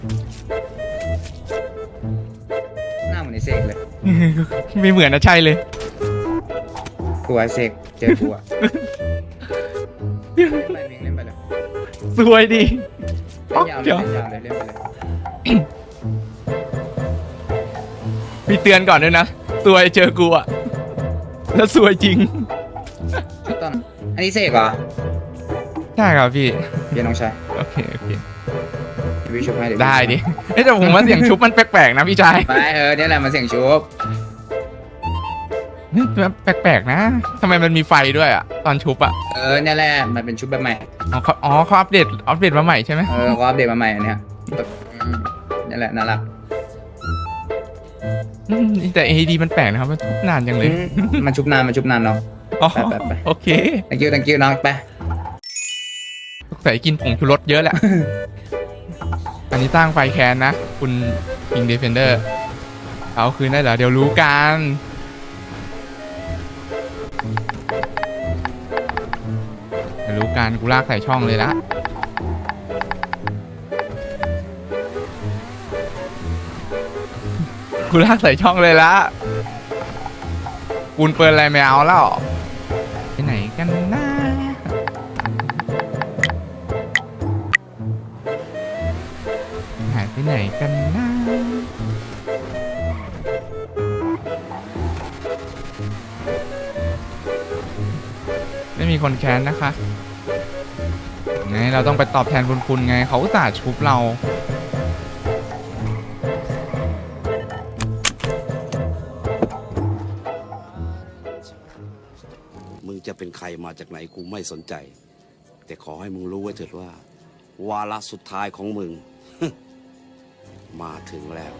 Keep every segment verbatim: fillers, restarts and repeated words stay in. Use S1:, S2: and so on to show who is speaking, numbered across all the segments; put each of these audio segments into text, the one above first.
S1: หน้าเหมือนไอเสกเลย
S2: ไม่เหมือนนะใช่เลย
S1: กลัวไอเสกเจอกูอะเล่นไปเล่นไปเลย
S2: สวยดี
S1: เล่นยาวเลยเล่นยาวเลยเล่นไปเลย
S2: มีเตือนก่อนด้วยนะสวยเจอกูอะแล้วสวยจริง
S1: ตอนอันนี้เสกเหรอ
S2: ใช่ครับพี่
S1: เดี๋ยวน้องชาย
S2: โอเคโอเค
S1: วิชุบให้เดี๋ยว
S2: ได้ดิเอ้ยแต่ผมว่าเสียงชุบมันแปลกๆนะพี่ชาย
S1: ไปเออเนี่ยแหละมันเสียงชุบ
S2: แปลกๆนะทำไมมันมีไฟด้วยอะตอนชุบอะ
S1: เออเนี่ยแหละมันเป็นชุบแบบใหม่
S2: อ๋อเขาอ๋อเขาอัปเดตอัปเดตมาใหม่ใช่ไหม
S1: เออเขาอัปเดตมาใหม่อันเนี้ยแบบอืมนี่แหละน่ารัก
S2: อืมแต่เอดีมันแปลกนะครับมันชุบนานจังเลย
S1: อืมมันชุบนานมันชุบนานเนาะ
S2: อ๋อ
S1: ไปไปไป
S2: โอเค
S1: thank you thank you น้องไป
S2: ใส่กินผงชูรสเยอะแหละ อันนี้สร้างไฟแคนนะ คุณ King Defender เอาคืนได้เหรอ เดี๋ยวรู้กันเดี๋ยวรู้กันกูลากใส่ช่องเลยละกูลากใส่ช่องเลยละคุณเปิดอะไรไม่เอาแล้วไปไหนกันนะหายไปไหนกันนะไม่มีคนแค้นนะคะไงเราต้องไปตอบแทนบุญคุณไงเขาอุตส่าห์ชุบเรา
S3: มึงจะเป็นใครมาจากไหนกูไม่สนใจ แต่ขอให้มึงรู้ไว้เถิดว่า วาระสุดท้ายของมึง มาถึงแล้ว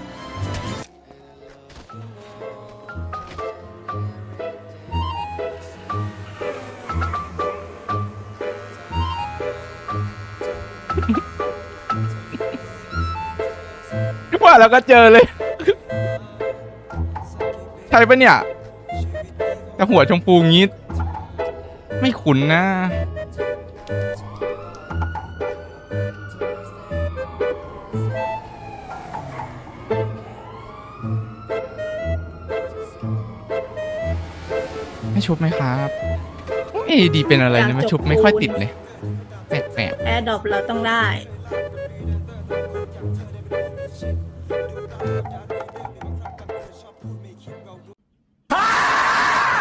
S2: ว่าแล้วก็เจอเลย ใช่ปะเนี่ย แต่หัวชมพูงี้ ไม่คุ้นนะ ไม่ชุบไหมครับเอดีเป็นอะไรเนี่ยไม่ชุบไม่ค่อยติดเลย แปลก
S4: แอร์ดรอปเราต้องได้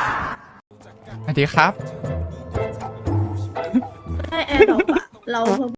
S2: ๆสวัสดีครับ
S4: ได้แอร์ดรอปอะเรา